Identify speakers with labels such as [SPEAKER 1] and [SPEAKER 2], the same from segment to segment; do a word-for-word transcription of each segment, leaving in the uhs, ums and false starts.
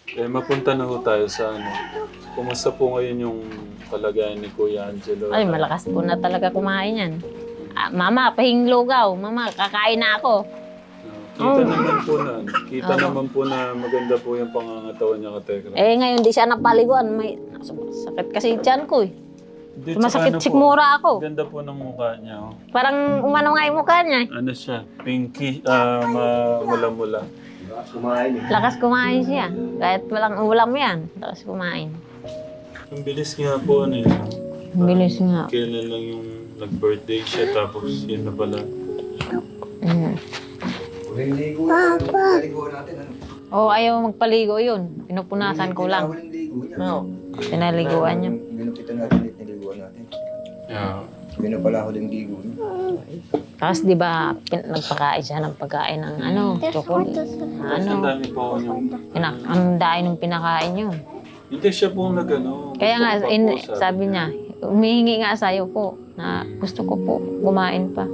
[SPEAKER 1] Eh, mapunta na ho tayo sa ano. Kumusta po ngayon yung kalagayan ni Kuya Angelo?
[SPEAKER 2] Ay, malakas po na talaga kumain yan. Ah, mama, pahing lugaw. Mama, kakain na ako.
[SPEAKER 1] Ah, kita
[SPEAKER 2] Oh.
[SPEAKER 1] naman po na, ano, kita
[SPEAKER 2] Oo.
[SPEAKER 1] naman po na maganda po yung pangangatawan niya ka Tekram.
[SPEAKER 2] Eh, ngayon di siya napaliguan. May sakit kasi tiyan ko eh.
[SPEAKER 1] Di,
[SPEAKER 2] Sumasakit
[SPEAKER 1] tsaka ano po,
[SPEAKER 2] sikmura ako.
[SPEAKER 1] ganda po ng mukha niya. Oh.
[SPEAKER 2] Parang umano nga yung mukha niya. eh.
[SPEAKER 1] Ano siya? Pinky, ah, ma- mula-mula.
[SPEAKER 3] Kumain eh.
[SPEAKER 2] Lakas kumain siya. Kahit walang ulam yan. Lakas kumain.
[SPEAKER 1] Ang bilis nga po ano yun.
[SPEAKER 2] Ang bilis nga.
[SPEAKER 1] Kailan lang yung nag-birthday siya tapos yun na pala.
[SPEAKER 2] Mm.
[SPEAKER 3] Huling ligo na. Ligo natin ano.
[SPEAKER 2] Oh, ayaw magpaligo yun. Pinupunasan ko lang.
[SPEAKER 3] Huling ligo niya.
[SPEAKER 2] No. Pinaliguan niya.
[SPEAKER 3] Ginupitan natin ulit niliguan natin.
[SPEAKER 1] Yeah.
[SPEAKER 3] Yun na pala huling ligo niya.
[SPEAKER 2] Tapos di ba pin- nagpakain siya ng pagkain ng ano, chocolate.
[SPEAKER 1] Ang
[SPEAKER 2] Ano,
[SPEAKER 1] dami po yung...
[SPEAKER 2] pinak ang dahil nung pinakain yun.
[SPEAKER 1] Hindi siya po nag-ano.
[SPEAKER 2] Kaya
[SPEAKER 1] gusto
[SPEAKER 2] nga,
[SPEAKER 1] ko pa
[SPEAKER 2] in,
[SPEAKER 1] po,
[SPEAKER 2] sabi niya, humihingi nga sa'yo po na gusto ko po kumain pa.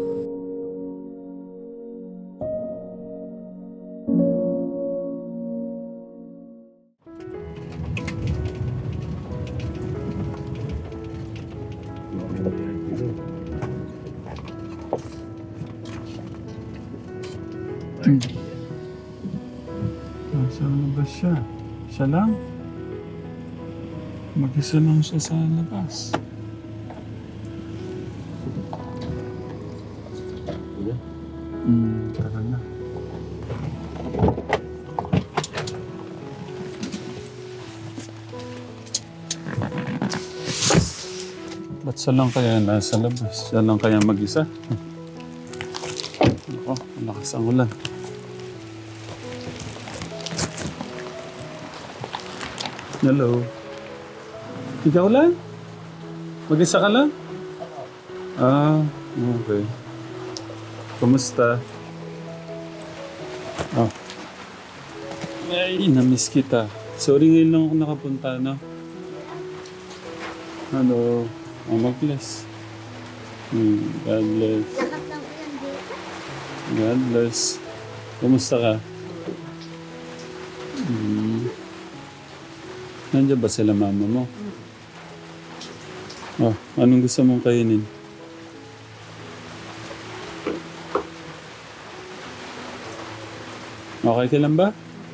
[SPEAKER 1] Nasaan na ba siya? Siya lang? Mag-isa lang siya sa labas. Hmm, tara na. Ba't siya lang kaya nasa labas? Siya lang kaya mag-isa? Ako, malakas ang ulan. Hello. Ikaw lang? Mag-isa ka lang? Ah, okay. Kumusta? Oh. Ay, namiss kita. Sorry ngayon lang ako nakapunta, no? Hello. Oh, mag-bless. Hmm, God bless. God bless. Kumusta ka? Hmm. Nandiyan ba sila mama mo? Oh, anong gusto mong kainin? Okay ka lang ba?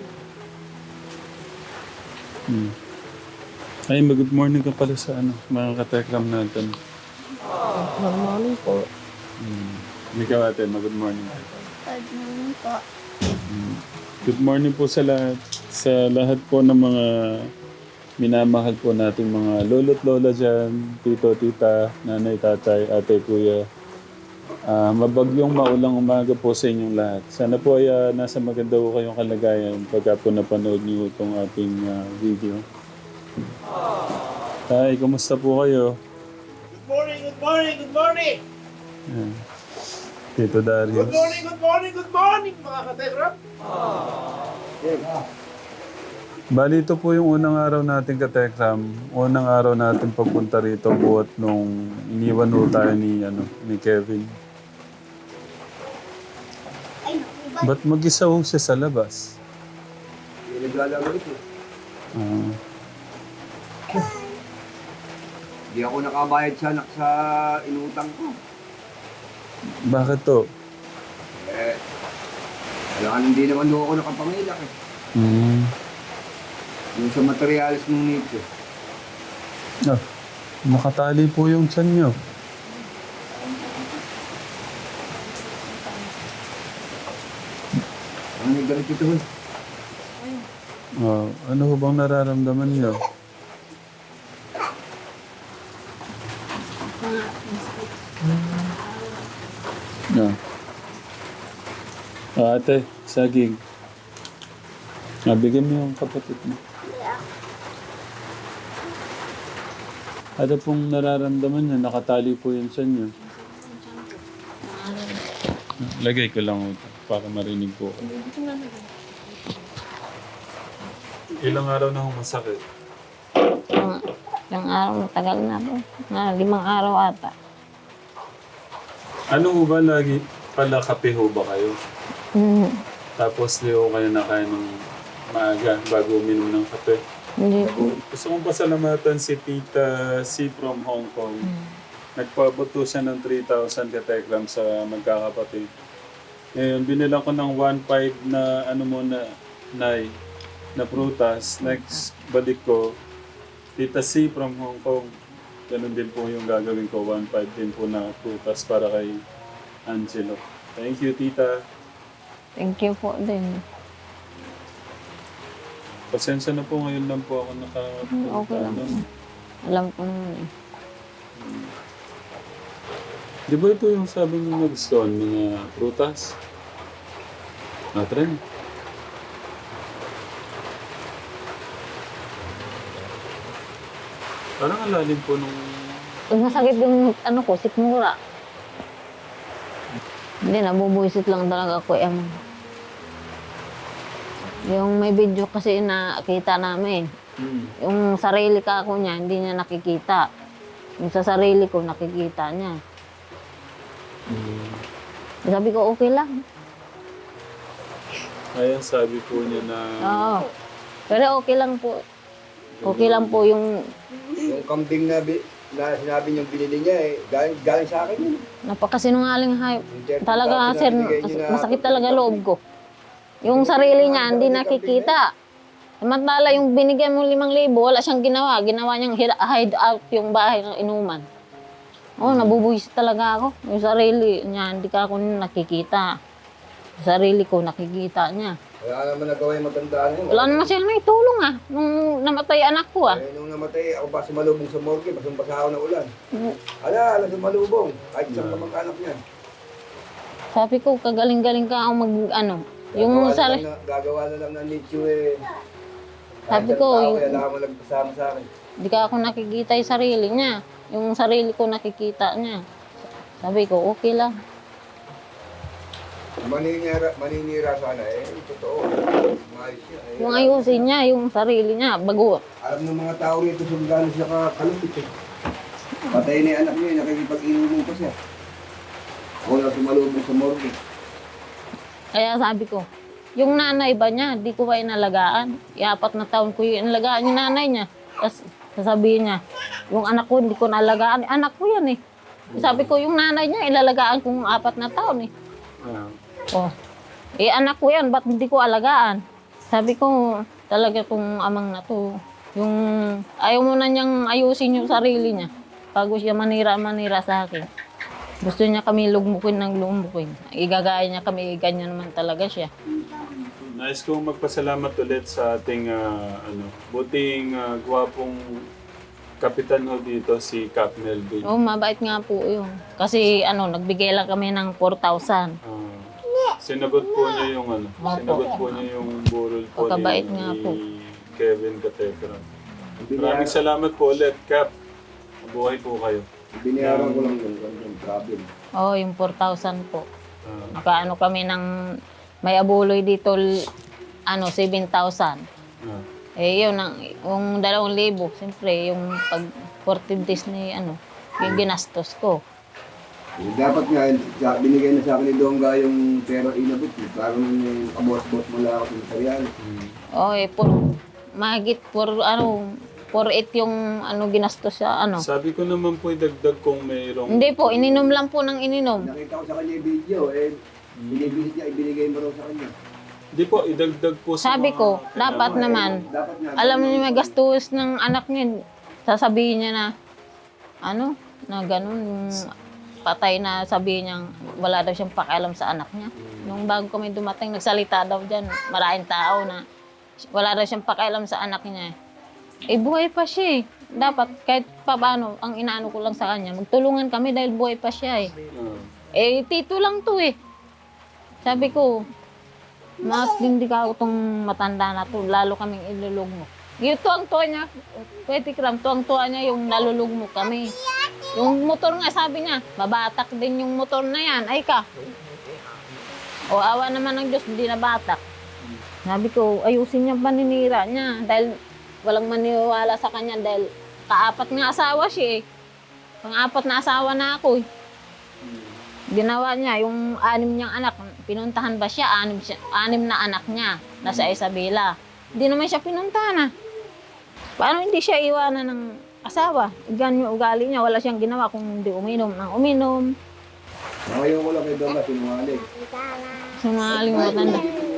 [SPEAKER 1] Hmm. Ay, mag-good morning ka pala sa ano, mga katekram natin.
[SPEAKER 2] Good morning po.
[SPEAKER 1] Hmm. Ikaw ate, mag-good morning.
[SPEAKER 4] Good morning po.
[SPEAKER 1] Hmm. Good morning po sa lahat. Sa lahat po ng mga minamahal po nating mga lolo't lola dyan, tito, tita, nanay, tatay, ate, kuya. Ah, mabagyong maulang umaga po sa inyong lahat. Sana po ay ah, nasa maganda po kayong kalagayan pagka po napanood niyo itong ating ah, video. Tay, kumusta po kayo?
[SPEAKER 5] Good morning, good morning, good morning!
[SPEAKER 1] Ayan. Tito Darius.
[SPEAKER 5] Good morning, good morning, good morning, mga kategram!
[SPEAKER 1] Bali, ito po yung unang araw natin katekram. Unang araw natin pagpunta rito buhat nung iniwan ho tayo ni, ano, ni Kevin. Ba't mag-isa ho siya sa labas?
[SPEAKER 3] Hindi naglalaro ito.
[SPEAKER 1] Ah,
[SPEAKER 3] Hindi ako nakabayad sa anak sa inutang ko.
[SPEAKER 1] bakit to?
[SPEAKER 3] Eh, kailangan hindi naman doon ako nakapangilak eh.
[SPEAKER 1] Hmm.
[SPEAKER 3] Yung sa materialis ng nito.
[SPEAKER 1] Ah, nakatali po yung tiyan nyo.
[SPEAKER 3] Ano may galit ito eh?
[SPEAKER 1] Ah, ano ho bang nararamdaman nyo? Ah. Ah, ate, saging. Ah, bigyan mo yung kapatid mo. Ano pong nararamdaman niya? Nakatali po yun sa inyo. Lagay ko lang ito para marinig po. Ilang araw na akong masakit?
[SPEAKER 2] Ang, ilang araw, matagal na po. Na, limang araw ata.
[SPEAKER 1] Ano ho ba lagi pala kape ho ba kayo?
[SPEAKER 2] Mm.
[SPEAKER 1] Tapos di ho kayo nakain ng maaga bago uminom ng kape.
[SPEAKER 2] Hindi po.
[SPEAKER 1] Gusto kong pasalamatan si Tita C from Hong Kong. Nagpabuto siya ng three thousand katekram sa magkakapatid. Ngayon, binilang ko ng one point five na ano muna, Nay, na prutas. Next, balik ko, Tita C from Hong Kong. Ganun din po yung gagawin ko, one point five din po na prutas para kay Angelo. Thank you, Tita.
[SPEAKER 2] Thank you po din.
[SPEAKER 1] Pasensya na po, ngayon lang po ako naka...
[SPEAKER 2] Okay lang.
[SPEAKER 1] ano.
[SPEAKER 2] Alam ko naman eh.
[SPEAKER 1] Di ba ito yung sabi mo nagustuhan, mga prutas? Natren. Parang ang lalim po nung...
[SPEAKER 2] Pag masakit yung ano ko, sikmura. Hindi, nabubuisit lang talaga ako. Em. Yung may video kasi nakita namin.
[SPEAKER 1] Hmm.
[SPEAKER 2] Yung sarili ka ako niya, hindi niya nakikita. Yung sa sarili ko, nakikita niya.
[SPEAKER 1] Hmm.
[SPEAKER 2] Sabi ko, okay lang.
[SPEAKER 1] Ayan, sabi po niya na...
[SPEAKER 2] Oo. Pero okay lang po. Okay lang po yung
[SPEAKER 3] Yung kambing na, bi- na sinabi niyong binili niya eh, galing, galing sa akin yun.
[SPEAKER 2] napakasinungaling hayop.
[SPEAKER 3] Yung thirty
[SPEAKER 2] Talaga,
[SPEAKER 3] thousand na
[SPEAKER 2] sir,
[SPEAKER 3] binigay niyo na-
[SPEAKER 2] masakit talaga loob ko. Yung sarili niya, hindi nakikita. Samantala, yung binigyan mo limang libo, wala siyang ginawa. Ginawa niyang hid- hide out yung bahay ng inuman. Oo, oh, nabubuhis talaga ako. Yung sarili niya, hindi ka ako nakikita. Yung sarili ko, nakikita niya.
[SPEAKER 3] Wala naman nagawa yung matandaan yun.
[SPEAKER 2] Wala naman siya naitulong ah, nung namatay anak ko ah.
[SPEAKER 3] Eh, nung namatay, ako ba sumalubong sa morgue, basang-basa ako ng ulan. Ala, ala sumalubong. Kahit isang kamag-anak niya.
[SPEAKER 2] Sabi ko, kagaling-galing ka ako mag, ano, yung
[SPEAKER 3] Gagawa na
[SPEAKER 2] sa...
[SPEAKER 3] lang na- Gagawa na lang ng nicho eh.
[SPEAKER 2] Sabi
[SPEAKER 3] Kahit
[SPEAKER 2] ko,
[SPEAKER 3] isang tao,
[SPEAKER 2] yung-
[SPEAKER 3] wala akong nagpasama sa akin.
[SPEAKER 2] Hindi ka ako nakikita yung sarili niya. Yung sarili ko nakikita niya. Sabi ko, okay lang.
[SPEAKER 3] Maninira, maninira sana eh. Totoo. Maayos siya eh.
[SPEAKER 2] Kung ayusin niya yung sarili niya, bago.
[SPEAKER 3] Alam ng mga tao rito kung gaano siya kakalupit eh. Patay na yung anak niya, nakikipag-inumin pa siya. Ako lang sumalubong sa morgue.
[SPEAKER 2] Kaya sabi ko, yung nanay ba niya, di ko ba inalagaan? Iapat na taon ko yung inalagaan yung nanay niya. Tapos sasabihin niya, yung anak ko, hindi ko nalagaan. Anak ko yan eh. Sabi ko, yung nanay niya, ilalagaan kong apat na taon eh.
[SPEAKER 1] Ah.
[SPEAKER 2] Oh, eh anak ko yan, ba't hindi ko alagaan? Sabi ko, talaga kung amang na to, yung ayaw mo na niyang ayusin yung sarili niya bago siya manira-manira sa akin. Gusto niya kami lugmukin ng lugmukin. Igagaya niya kami, ganyan naman talaga siya.
[SPEAKER 1] Nais kong magpasalamat ulit sa ating ah, ano, buting ah, gwapong kapitan ho dito, si Cap Melvin.
[SPEAKER 2] Oh, mabait nga po yun. Kasi ano, nagbigay lang kami ng four thousand.
[SPEAKER 1] Ah, sinagot po niya yung ano, sinagot po niya yung burol po
[SPEAKER 2] Pagkabait
[SPEAKER 1] ni,
[SPEAKER 2] nga po.
[SPEAKER 1] ni Kevin Catetra. Maraming salamat po ulit, Cap. Mabuhay po kayo.
[SPEAKER 3] Binayaran ko lang yun, yung problem.
[SPEAKER 2] Oh, yung four thousand po.
[SPEAKER 1] Ah,
[SPEAKER 2] Nakaano kami ng may abuloy dito, l- ano, seven thousand.
[SPEAKER 1] ah.
[SPEAKER 2] Eh, yun, ang, yung dalawang libo, siyempre, yung pag fourteen days ni, ano, yung ginastos ko.
[SPEAKER 3] Eh, dapat nga, sa- binigay na sa akin ni Dongga yung pera inabot. Eh. Parang yung kabos-bos mo lang ako sa Sarian.
[SPEAKER 1] Hmm.
[SPEAKER 2] Oh, eh, por, mahigit por, ano, four eight yung, ano, ginastos sa, ano.
[SPEAKER 1] Sabi ko naman po idagdag kung mayroong...
[SPEAKER 2] Hindi po, ininom lang po ng ininom.
[SPEAKER 3] Nakita ko sa kanya yung video, eh, binibisit niya, ibinigay mo raw sa kanya.
[SPEAKER 1] Hindi po, idagdag po sa
[SPEAKER 2] Sabi
[SPEAKER 1] mga-
[SPEAKER 2] ko, dapat naman,
[SPEAKER 3] Dapat nga,
[SPEAKER 2] alam niyo may gastos ng anak niya, sasabihin niya na, ano, na ganun, yung patay na sabihin niya, wala daw siyang pakialam sa anak niya. Nung bago kami dumating, nagsalita daw dyan, maraming tao na wala daw siyang pakialam sa anak niya. Eh, buhay pa siya eh. Dapat, kahit pa paano, ang inaano ko lang sa kanya, magtulungan kami dahil buhay pa siya eh.
[SPEAKER 1] Ah.
[SPEAKER 2] Eh, tito lang to eh. Sabi ko, matindi ka itong matanda na to, lalo kaming ilulog mo. Yung tuwang-tuwa niya, Kuya Tikram, tuwang-tuwa niya yung nalulog mo kami. Yung motor nga, sabi niya, mabatak din yung motor na yan, ay ka. O awa naman ng Diyos, hindi na batak. Sabi ko, ayusin niya paninira niya dahil walang maniwala sa kanya dahil kaapat nga asawa siya eh. Pang-apat na asawa na ako eh. Ginawa niya, yung anim niyang anak, pinuntahan ba siya? Anim, siya, anim na anak niya, nasa Isabela. Hindi naman siya pinuntahan ah. Paano hindi siya iwanan ng asawa? Ganyan yung ugali niya. Wala siyang ginawa kung hindi uminom ng uminom.
[SPEAKER 3] Ngayon ko lang kay Donna, sinungaling.
[SPEAKER 2] Sumaling mo tanda.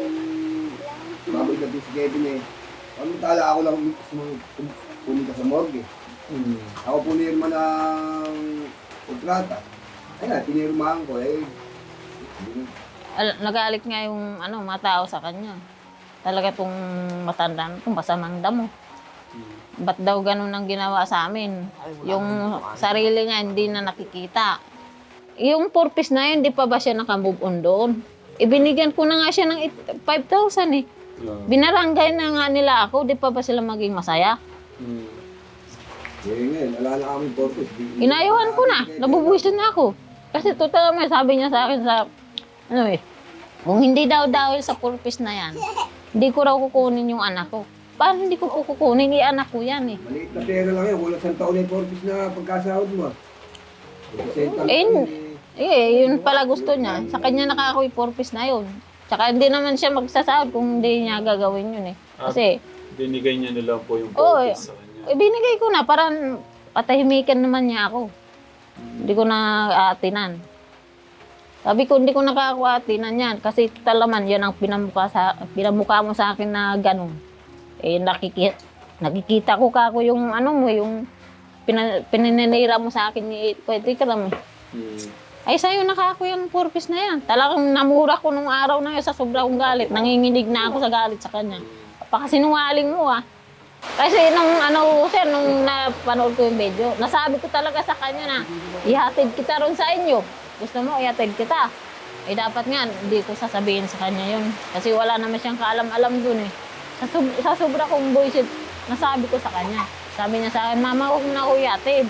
[SPEAKER 3] Baboy na din si Kevin eh. Ano tala ako lang sum- pum- pumunta sa morgue.
[SPEAKER 1] Mm.
[SPEAKER 3] Ako punirma ng kontrata. Ayan, pinirmahan ko eh. Hindi na.
[SPEAKER 2] Al- nagalit nga yung ano, mga tao sa kanya. Talaga tong matanda na itong masamang damo. Ba't daw ganun ang ginawa sa amin? Yung sarili niya hindi na nakikita. Yung purpose na yun, di pa ba siya nakamove on doon? Ibinigyan ko na nga siya ng five thousand eh.
[SPEAKER 1] Yeah.
[SPEAKER 2] Binarangay na nga nila ako, di pa ba sila maging masaya?
[SPEAKER 1] Mm.
[SPEAKER 3] Eh ngayon, wala na kami purpose. Di-
[SPEAKER 2] Inayuhan ko na, nabubuwisan na ako. Kasi total naman, sabi niya sa akin sa, ano eh, kung hindi daw dahil sa purpose na yan, hindi ko raw kukunin yung anak ko. Paano hindi ko po kukunin? I-anak ko yan eh.
[SPEAKER 3] Maliit na pera lang yan. Kulang isang taon na yung purpose na pagkasahod mo. ah. Sentang
[SPEAKER 2] Eh,
[SPEAKER 3] taon
[SPEAKER 2] Eh, yun pala gusto niya. Sa kanya nakaka purpose na yun. Tsaka hindi naman siya magsasahod kung hindi niya gagawin yun eh. Kasi,
[SPEAKER 1] Binigay niya na lang po yung
[SPEAKER 2] Oo,
[SPEAKER 1] purpose sa kanya.
[SPEAKER 2] ibinigay ko na, parang patahimikan naman niya ako. Hindi ko na aatinan. Sabi ko, hindi ko nakakaatinan yan. Kasi talaman, yan ang pinamukha, sa, pinamukha mo sa akin na ganun. Eh, nakikita, nakikita ko kako yung ano mo, yung pina, pininira mo sa akin ni Pwede ka lang.
[SPEAKER 1] Mm.
[SPEAKER 2] Ay, sa'yo nakako yung purpose na yan. Talagang namura ko nung araw na yun sa sobrang galit. Nanginginig na ako sa galit sa kanya. Pakasinungaling mo ah. Kasi nung ano, sir, nung napanood ko yung video, nasabi ko talaga sa kanya na ihatid kita ron sa inyo. Gusto mo, ihatid kita. Eh dapat nga, hindi ko sasabihin sa kanya yun. Kasi wala naman siyang kaalam-alam dun eh. Sa, sub- sa sobra kong bullshit, nasabi ko sa kanya. Sabi niya sa akin, Mama, huwag mo na ako ihatid.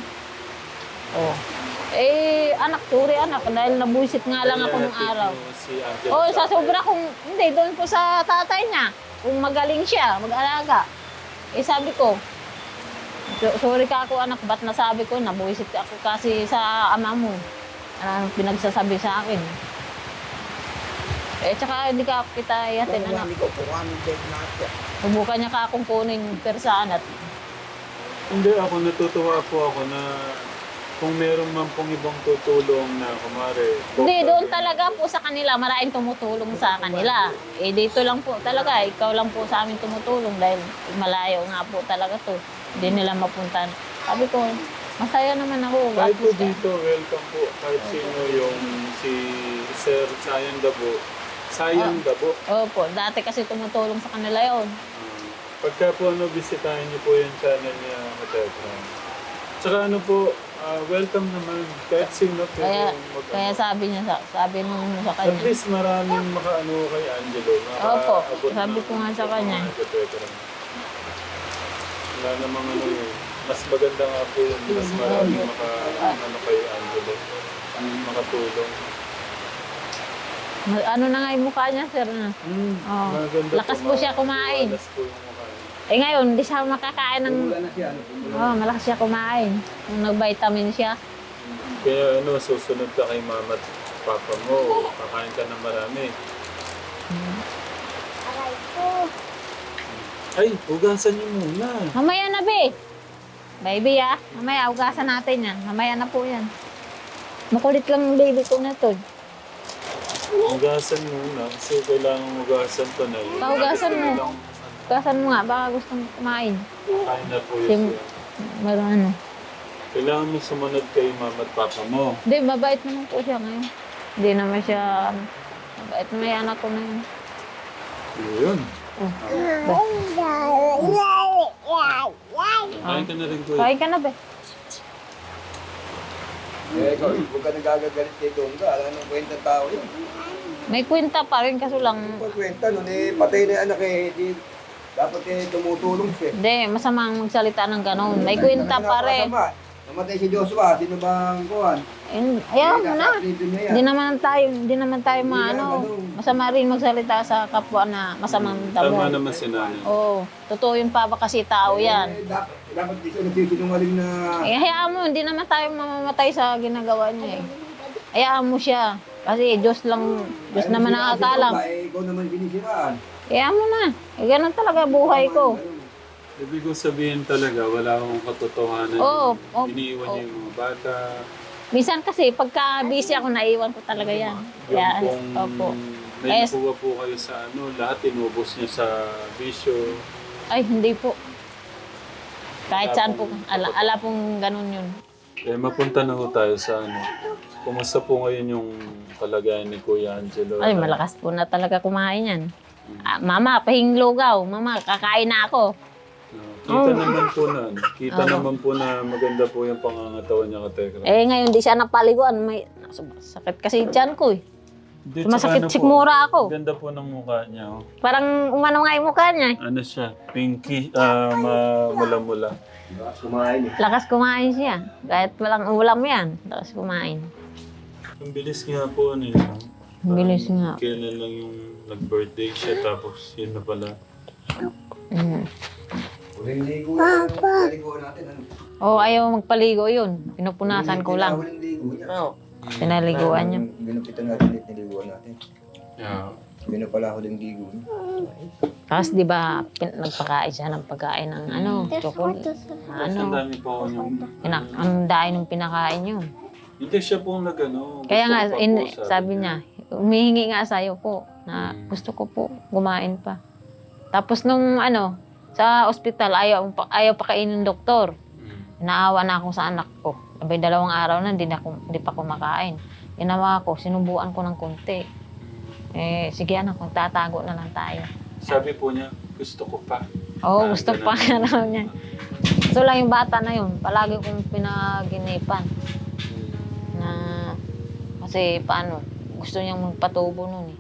[SPEAKER 2] Oh. Eh, anak, sorry anak, dahil nabuisit nga lang ako nung araw.
[SPEAKER 1] Si Angel
[SPEAKER 2] Oo, sa sobra kung, hindi, doon po sa tatay niya. Kung magaling siya, mag-alaga. Eh, sabi ko, so- sorry ka ako anak, ba't nasabi ko, nabuisit ako kasi sa ama mo. Ano pinagsasabi sa akin. Eh, tsaka hindi ka kita yatin, anak. Subukan niya ka akong kunin yung persaan at
[SPEAKER 1] Hindi, ako natutuwa po ako na kung meron man pong ibang tutulong na kumare.
[SPEAKER 2] hindi, doon talaga po sa kanila, maraming tumutulong sa kanila. Eh, dito lang po talaga, ikaw lang po sa amin tumutulong dahil malayo nga po talaga to. Hindi nila mapuntan. Sabi ko, masaya naman ako.
[SPEAKER 1] Kahit po
[SPEAKER 2] Tapos,
[SPEAKER 1] dito, welcome po. Kahit sino yung si Sir Sayang Dabo. Sayang Dabo.
[SPEAKER 2] Opo, dati kasi tumutulong sa kanila yon.
[SPEAKER 1] Ah, pagka po ano, bisitahin niyo po yung channel niya, Katekram. Tsaka ano po, ah, welcome naman. Kahit sino po
[SPEAKER 2] Kaya,
[SPEAKER 1] mag-
[SPEAKER 2] kaya
[SPEAKER 1] ano.
[SPEAKER 2] sabi niya, sa, sabi nung sa
[SPEAKER 1] At
[SPEAKER 2] kanya.
[SPEAKER 1] least maraming makaano kay Angelo.
[SPEAKER 2] Opo,
[SPEAKER 1] makaabot
[SPEAKER 2] sabi
[SPEAKER 1] ng
[SPEAKER 2] ko nga sa kanya.
[SPEAKER 1] mga Katekram. Wala namang ano eh. Mas maganda nga po yun. Mas maraming maka, ano kay Angelo. Makatulong.
[SPEAKER 2] Ma- Ano na nga yung mukha niya, sir? Na?
[SPEAKER 1] Hmm,
[SPEAKER 2] Oo.
[SPEAKER 1] maganda
[SPEAKER 2] Lakas po siya kumain.
[SPEAKER 1] Lakas po yung mukha niya.
[SPEAKER 2] Eh ngayon, hindi siya makakain ng...
[SPEAKER 3] Pumula na siya. Ano, pumula.
[SPEAKER 2] Oh, malakas siya kumain. Nung nag-vitamin siya.
[SPEAKER 1] Kaya ano, susunod ka kay mama at papa mo. Kakain ka ng marami.
[SPEAKER 4] Aray ko.
[SPEAKER 1] Ay, hugasan niyo muna.
[SPEAKER 2] Mamaya na, be. Baby, ah. Mamaya, ugasan natin yan. Mamaya na po yan. Makulit lang yung baby ko na to.
[SPEAKER 1] Hugasan muna. Kasi kailangan hugasan to na yun.
[SPEAKER 2] Pahugasan mo.
[SPEAKER 1] Lang,
[SPEAKER 2] Ugasan mo nga, baka gustong kumain.
[SPEAKER 1] kain na po
[SPEAKER 2] Sim-
[SPEAKER 1] yun.
[SPEAKER 2] Meron ano.
[SPEAKER 1] Kailangan mo sumunod kay mama at papa mo.
[SPEAKER 2] Hindi, mabait naman po siya ngayon. Hindi naman siya, ano, mabait na may anak ko na yun.
[SPEAKER 1] Yun.
[SPEAKER 2] Oh.
[SPEAKER 1] Kain ka na rin ko.
[SPEAKER 2] Kain ka na, be.
[SPEAKER 3] Eh, ikaw, huwag ka nagagagalit kay Dongga. Alam nung kwenta tao yun.
[SPEAKER 2] May kwenta pa rin, kaso lang,
[SPEAKER 3] Kung kwenta nun eh, patay na yung anak eh. Di, dapat eh, tumutulong siya.
[SPEAKER 2] hindi, masamang magsalita ng ganon. May kwenta pa rin.
[SPEAKER 3] Napakasama. Namatay si Joshua. Sino bang kuhan?
[SPEAKER 2] Eh, Ayaw mo na.
[SPEAKER 3] Hindi
[SPEAKER 2] Hindi naman tayo, hindi naman tayo
[SPEAKER 3] Hindi
[SPEAKER 2] maano.
[SPEAKER 3] na, ganun.
[SPEAKER 2] Masama rin magsalita sa kapwa na masamang damo.
[SPEAKER 1] Tama naman si nanay.
[SPEAKER 2] Oo, totoo yung papa kasi tao yan.
[SPEAKER 3] Eh, dapat, dapat di siya nagsisinungaling na...
[SPEAKER 2] Eh, hayaan mo, hindi naman tayo mamamatay sa ginagawa niya eh. Hayaan mo siya. Kasi Diyos lang, Diyos
[SPEAKER 3] Ayaw
[SPEAKER 2] naman
[SPEAKER 3] mo sila kasi
[SPEAKER 2] nakakalam.
[SPEAKER 3] Dongga, Eh, ikaw naman sinisiraan.
[SPEAKER 2] Kaya mo na. Eh, ganun talaga buhay ko.
[SPEAKER 1] Ibig ko sabihin talaga, wala akong katotohanan.
[SPEAKER 2] Oo,
[SPEAKER 1] yung
[SPEAKER 2] oo,
[SPEAKER 1] iniiwan niyo yung mga bata.
[SPEAKER 2] Minsan kasi, pagka busy ako, naiwan ko talaga yan.
[SPEAKER 1] Yung
[SPEAKER 2] Kaya,
[SPEAKER 1] pong
[SPEAKER 2] opo.
[SPEAKER 1] may
[SPEAKER 2] Eh,
[SPEAKER 1] nakuha po kayo sa ano, lahat inubos niyo sa bisyo.
[SPEAKER 2] Ay, hindi po. Kahit saan po, ala, ala pong ganun yun.
[SPEAKER 1] Eh, mapunta na ho tayo sa ano. Kumusta po ngayon yung kalagayan ni Kuya Angelo?
[SPEAKER 2] Ay, malakas po na talaga kumain yan. Ah, mama, pahing lugaw. Mama, kakain na ako.
[SPEAKER 1] Ah, kita naman po na, ano, kita
[SPEAKER 2] Oo.
[SPEAKER 1] naman po na maganda po yung pangangatawan niya ka Tekram.
[SPEAKER 2] Eh, ngayon di siya napaliguan. May sakit kasi dyan ko eh.
[SPEAKER 1] Di,
[SPEAKER 2] Sumasakit
[SPEAKER 1] tsaka ano po,
[SPEAKER 2] sikmura ako.
[SPEAKER 1] Ganda po ng mukha niya. Oh.
[SPEAKER 2] Parang umano nga yung mukha niya eh.
[SPEAKER 1] Ano siya? Pinky, ah, ma- mula-mula.
[SPEAKER 3] Kumain eh.
[SPEAKER 2] Lakas kumain siya. Kahit walang ulam yan. Lakas kumain.
[SPEAKER 1] Ang bilis nga po ano yun.
[SPEAKER 2] Ang bilis nga.
[SPEAKER 1] Kailan lang yung nag-birthday siya tapos yun na pala.
[SPEAKER 2] Mm.
[SPEAKER 3] Huling ligo na. Huling ligo natin. Ano?
[SPEAKER 2] Oo, ayaw magpaligo yun. Pinupunasan ko lang.
[SPEAKER 3] Huling ligo niya.
[SPEAKER 2] Pinaliguan niya.
[SPEAKER 3] Ginupitan natin ulit, niliguan natin.
[SPEAKER 1] Yeah.
[SPEAKER 3] Yun na pala huling ligo niya.
[SPEAKER 2] Tapos di ba pin- nagpakain siya ng pagkain ng ano, chocolate.
[SPEAKER 1] Ano? Ang
[SPEAKER 2] Ano,
[SPEAKER 1] dami po yung...
[SPEAKER 2] pinak ang dahil ng pinakain yun.
[SPEAKER 1] Hindi siya po nag-ano.
[SPEAKER 2] Kaya
[SPEAKER 1] gusto
[SPEAKER 2] nga,
[SPEAKER 1] ko pa
[SPEAKER 2] in,
[SPEAKER 1] po,
[SPEAKER 2] sabi niya, humihingi nga sa'yo po na gusto ko po kumain pa. Tapos nung ano, sa ospital, ayaw, pa- ayaw pa kainin ng doktor.
[SPEAKER 1] Mm.
[SPEAKER 2] Naawa na ako sa anak ko. Abay, dalawang araw na, hindi, na, ako- hindi pa kumakain. Ginawa ko, sinubuan ko ng konti. Eh, sige anak, magtatago na lang tayo.
[SPEAKER 1] Sabi po niya, gusto ko pa.
[SPEAKER 2] Oo,
[SPEAKER 1] Ah,
[SPEAKER 2] gusto
[SPEAKER 1] ganun.
[SPEAKER 2] pa nga raw niya. So lang yung bata na yun, palagi kong pinaginipan. Na, kasi paano, gusto niyang magpatubo nun eh.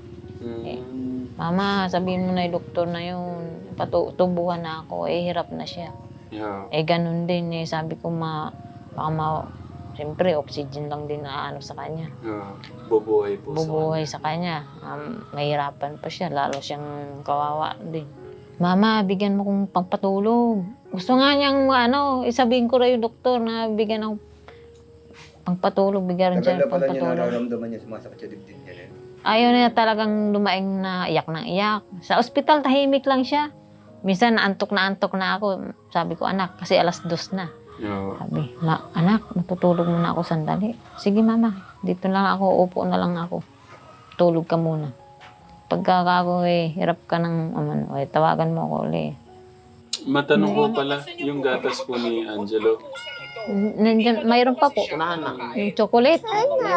[SPEAKER 1] Mm.
[SPEAKER 2] Mama, sabihin mo na yung doktor na yun, patubuhan na ako, eh hirap na siya.
[SPEAKER 1] Yeah.
[SPEAKER 2] Eh ganun din eh, sabi ko ma, baka ma, siyempre oxygen lang din na ano sa kanya.
[SPEAKER 1] Yeah. Bubuhay po
[SPEAKER 2] Bubuhay sa kanya, um, mahirapan pa siya, lalo siyang kawawa din. Mama, bigyan mo kong pangpatulog. Gusto nga niyang ano, isabihin ko rin yung doktor na bigyan ng pangpatulog, bigyan rin
[SPEAKER 3] Tagal
[SPEAKER 2] siya
[SPEAKER 3] na
[SPEAKER 2] ng
[SPEAKER 3] pala niya
[SPEAKER 2] pangpatulog.
[SPEAKER 3] nararamdaman niya sumasakit sa dibdib niya. Eh.
[SPEAKER 2] Ayaw na talagang lumaing na iyak ng iyak. Sa ospital, tahimik lang siya. Minsan, naantok na antok na ako. Sabi ko, anak, kasi alas dos na.
[SPEAKER 1] Yeah.
[SPEAKER 2] Sabi, na, anak, matutulog muna ako sandali. Sige, mama, dito lang ako, upo na lang ako. Tulog ka muna. Pagka ako, eh, hirap ka ng, ano, eh, tawagan mo ako ulit.
[SPEAKER 1] Matanong ko pala, yung gatas po ni Angelo.
[SPEAKER 2] Nandiyan, mayroon pa po. Yung chocolate.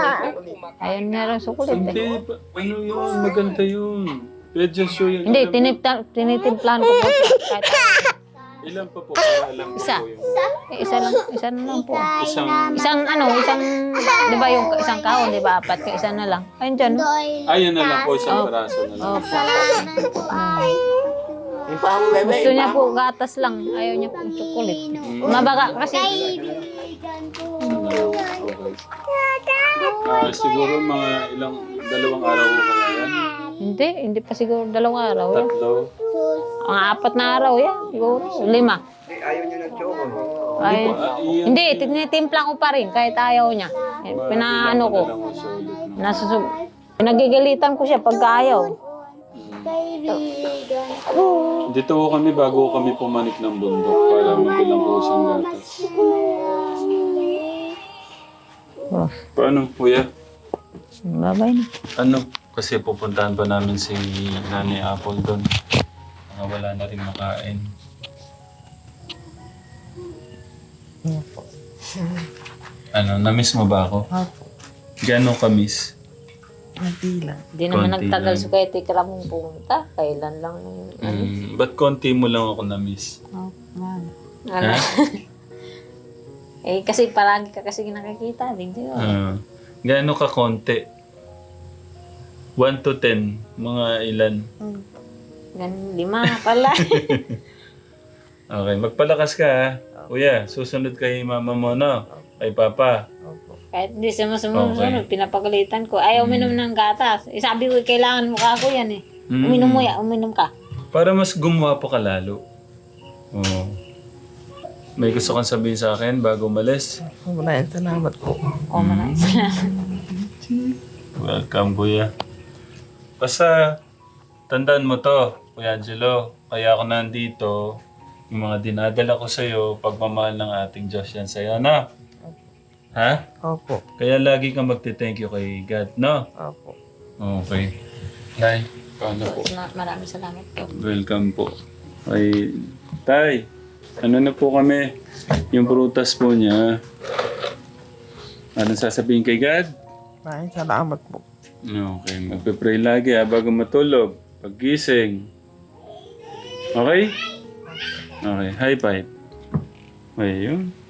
[SPEAKER 2] Ayun, meron chocolate.
[SPEAKER 1] Hindi,
[SPEAKER 2] Eh.
[SPEAKER 1] pa- ano yun, maganda yun. Red Just Show yung
[SPEAKER 2] Hindi,
[SPEAKER 1] alam mo.
[SPEAKER 2] tinipla, tinitimplan ko po. Kahit,
[SPEAKER 1] Ilan pa po, para alam ko
[SPEAKER 2] Isa.
[SPEAKER 1] po yung
[SPEAKER 2] eh, isa lang, isa na lang po.
[SPEAKER 1] isang...
[SPEAKER 2] Isang ano, isang, di ba yung isang kahon, di ba? Apat, yung isa na lang. Ayun dyan. no?
[SPEAKER 1] Ayun na lang po, isang peraso na lang.
[SPEAKER 2] Opo. Gusto niya po gatas lang. Ayaw niya po yung chocolate. Mabaga kasi.
[SPEAKER 1] Ah, siguro mga ilang, dalawang araw ko kaya yan.
[SPEAKER 2] Hindi, hindi pa siguro dalawang araw. Yan.
[SPEAKER 1] Tatlo.
[SPEAKER 2] Mga apat na araw yan. Siguro. Lima.
[SPEAKER 3] Eh, ayaw niya ng choco.
[SPEAKER 2] Ay,
[SPEAKER 1] Ah, iyan.
[SPEAKER 2] hindi, tinitimpla ko pa rin kahit ayaw niya. Eh, Pinaano ko.
[SPEAKER 1] Wala ko siya ulit, no?
[SPEAKER 2] Nasusub. Pinagigalitan ko siya pagka ayaw.
[SPEAKER 1] Dito ko kami bago kami pumanik ng bundok para mabilang ko siyang gatas.
[SPEAKER 2] Oh,
[SPEAKER 1] Paano, kuya?
[SPEAKER 2] babay na.
[SPEAKER 1] Ano? Kasi pupuntahan pa namin si Nanay Apple doon. Mga wala na rin makain. Ano, na-miss mo ba ako?
[SPEAKER 6] Opo.
[SPEAKER 1] Gano'ng ka-miss?
[SPEAKER 6] Hindi lang.
[SPEAKER 2] Hindi naman
[SPEAKER 1] Konti
[SPEAKER 2] nagtagal
[SPEAKER 1] lang.
[SPEAKER 2] sa kaya tikra mong pumunta. Kailan lang yung ano.
[SPEAKER 1] Mm, ba't konti mo lang ako na-miss?
[SPEAKER 6] Oh, man.
[SPEAKER 2] Ano? eh, kasi palagi ka kasi nakikita. Hindi ba?
[SPEAKER 1] Ah, gano'n ka konti? one to ten, mga ilan?
[SPEAKER 2] Ganun, lima pala.
[SPEAKER 1] Okay, magpalakas ka ha. Kuya, susunod kay mama mo, no? Kay papa.
[SPEAKER 6] Opo.
[SPEAKER 2] Kahit hindi sa sumunod,
[SPEAKER 1] Okay.
[SPEAKER 2] pinapagalitan ko. Ayaw uminom ng gatas. Eh, sabi ko, kailangan mo ka ako yan eh.
[SPEAKER 1] Mm.
[SPEAKER 2] Uminom mo yan, uminom ka.
[SPEAKER 1] Para mas gumawa pa ka lalo. Oo. May gusto kang sabihin sa akin bago umalis?
[SPEAKER 6] Maraming salamat po.
[SPEAKER 2] O, maraming salamat.
[SPEAKER 1] Welcome, kuya. Basta, tandaan mo to. Kuya Angelo, kaya ako nandito, yung mga dinadala ko sa'yo, pagmamahal ng ating Diyos yan sa'yo, na? Ha?
[SPEAKER 6] Opo.
[SPEAKER 1] Kaya lagi kang magte-thank you kay God, no?
[SPEAKER 6] Opo.
[SPEAKER 1] Okay. Tay, paano po?
[SPEAKER 2] Ma- Maraming salamat po.
[SPEAKER 1] Welcome po. Ay, Tay, ano na po kami? Yung prutas po niya. Ano sasabihin kay God?
[SPEAKER 6] Maraming salamat po.
[SPEAKER 1] Okay, magpe-pray lagi ha, bago matulog. Paggising. Okay? Okay, high five. Ayun.